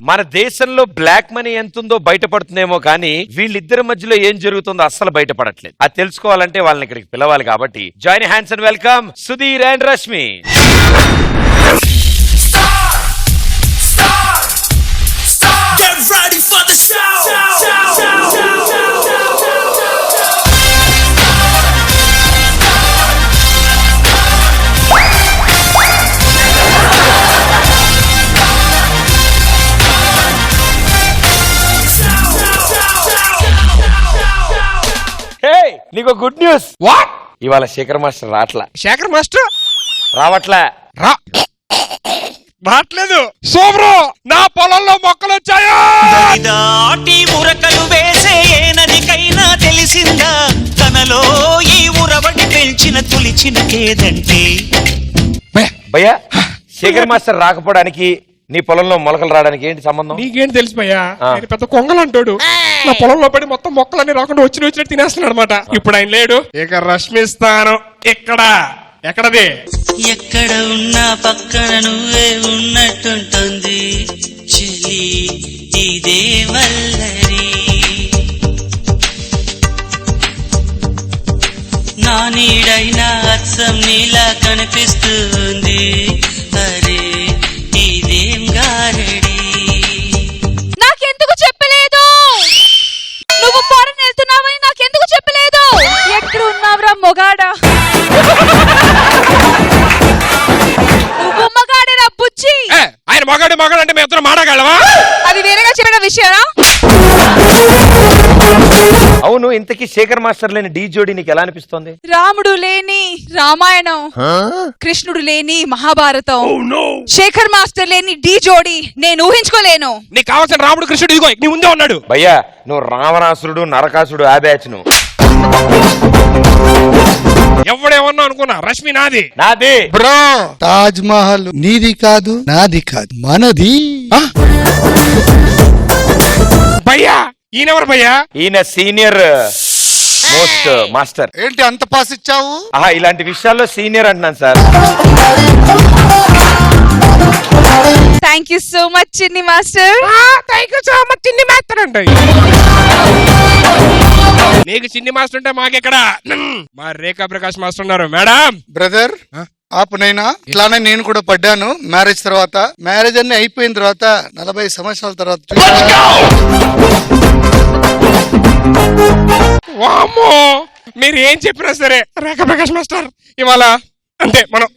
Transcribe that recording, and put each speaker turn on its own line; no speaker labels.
మన దేశంలో black money ఎంతుందో బయటపడుతుందేమో కానీ వీళ్ళిద్దరి మధ్యలో ఏం జరుగుతుందో అస్సలు బయటపడట్లేదు. అది తెలుసుకోవాలంటే వాళ్ళని ఇక్కడికి పిలవాలి. కాబట్టి join hands and welcome Sudheer and Rashmi. నీకు గుడ్ న్యూస్.
వాట్?
ఇవాళ శేఖర్ మాస్టర్ రావట్లా.
శేఖర్ మాస్టర్
రావట్లా?
రావట్లేదు. సోబ్రో, నా పొలంలో మొక్కలు వచ్చాయా?
దాటి ఉరకలు వేసే ఏనదికైనా తెలిసిందా తనలో ఈ ఉరవడి పెంచిన తులిచిన కేదంటే.
భయ్యా, శేఖర్ మాస్టర్ రాకపోవడానికి నీ పొలంలో మొలకలు రావడానికి ఏంటి సంబంధం?
నీకేంటి తెలిసిపోయా? ఆయన పెద్ద కొంగలు అంటాడు. నా పొలంలో పడి మొత్తం మొక్కలన్నీ రాకుండా వచ్చినట్టు తినేస్తున్నాడు అనమాట. ఇప్పుడు ఆయన లేడు. ఇక రష్మిస్తాను. ఎక్కడది?
ఎక్కడ ఉన్నా పక్కన నువ్వే ఉన్నట్టుంటుంది చెలి ఇదే వల్లరి. నా నీడైనా అచ్చం నీలా కనిపిస్తుంది అరే ఇదేం గారడి.
నాకెందుకు చెప్పలేదు? నువ్వు ఫారెన్ వెళ్తున్నావని నాకెందుకు చెప్పలేదు? ఎక్కడ ఉన్నావురా మొగాడా? నువ్వు మగాడేరా బుచ్చి.
ఆయన మగాడు అంటే మేము ఇద్దరం మాడగలవా?
అది వేరేగా చెప్పిన విషయనా?
అవును, ఇంతకీ శేఖర్ మాస్టర్ లేని డీ జోడి నీకు ఎలా అనిపిస్తోంది?
రాముడు లేని రామాయణం, కృష్ణుడు లేని మహాభారతం, శేఖర్ మాస్టర్ లేని డీ జోడి నేను ఊహించుకోలేను.
నీకు కావాల్సిన రాముడు కృష్ణుడు ఇదిగో నీ ముందే ఉన్నాడు.
భయ్యా, నువ్వు రావణాసురుడు నరకాసురుడు ఆ బ్యాచ్. నువ్వు
ఎవడేమన్నా అనుకున్నా, రష్మి నాది.
బ్రో, తాజ్ మహల్ నీది కాదు, నాది కాదు, మనది.
భయ్యా, ఈయనెవరు భయ్యా?
ఈయన సీనియర్ మోస్ట్ మాస్టర్.
ఏంటి అంత పాస్ ఇచ్చావు?
ఇలాంటి విషయాల్లో సీనియర్ అంటున్నాను sir.
Thank you so much Chinni master.
Thank you so much Chinni master అంటే. నీకు చిన్ని మాస్టర్ ఉంటే మాకెక్కడ? మా రేఖా ప్రకాష్ మాస్టర్ ఉన్నారు. మేడం
బ్రదర్ ఆపునైనా ఇట్లానే నేను కూడా పడ్డాను. మ్యారేజ్ తర్వాత, మ్యారేజ్ అన్ని అయిపోయిన తర్వాత 40 సంవత్సరాల తర్వాత
వామ్మో, మీరు ఏం చెప్పినా సరే రేఖా ప్రకాష్ మాస్టర్ ఇవాళ అంటే మనం